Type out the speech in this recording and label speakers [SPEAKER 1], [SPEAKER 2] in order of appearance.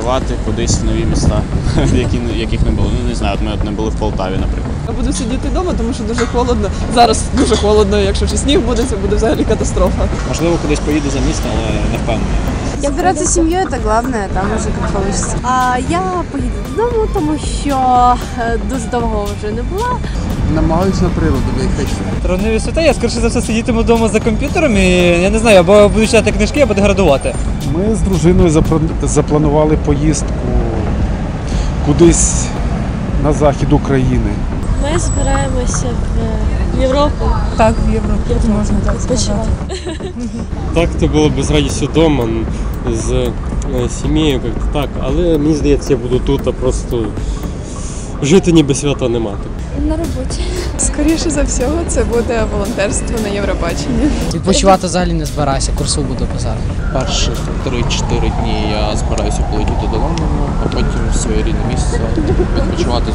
[SPEAKER 1] подорожувати кудись в нові міста, яких не було. Ну, не знаю, от ми не були в Полтаві, наприклад.
[SPEAKER 2] Я буду сидіти вдома, тому що дуже холодно. Зараз дуже холодно, якщо ще сніг буде, це буде взагалі катастрофа.
[SPEAKER 1] Можливо, кудись поїду за місто, але не впевнений.
[SPEAKER 3] Собираться с семьей – это главное, там уже как получится.
[SPEAKER 4] Я поїду додому, тому що дуже довго вже не була.
[SPEAKER 5] Намагаюся на природу виїхати.
[SPEAKER 6] Травневі свята, я скоріше за все сидітиму вдома за комп'ютером і, я не знаю, або буду читати книжки, або буду градувати.
[SPEAKER 7] Ми з дружиною запланували поїздку кудись на захід України.
[SPEAKER 4] Ми збираємося в Європу.
[SPEAKER 3] Так, в Европе можно так сказать.
[SPEAKER 8] Так, то було б з радістю вдома, з сім'єю, як-то так. Але мені здається, я буду тут, а просто жити ніби свята нема.
[SPEAKER 4] На роботі.
[SPEAKER 2] Скоріше за всього, це буде волонтерство на Євробаченні.
[SPEAKER 9] Відпочивати взагалі не збираюся, курсу буду писати.
[SPEAKER 5] Перших 3-4 дні я збираюся полетіти до Лондону, а потім в своє рідне місце відпочивати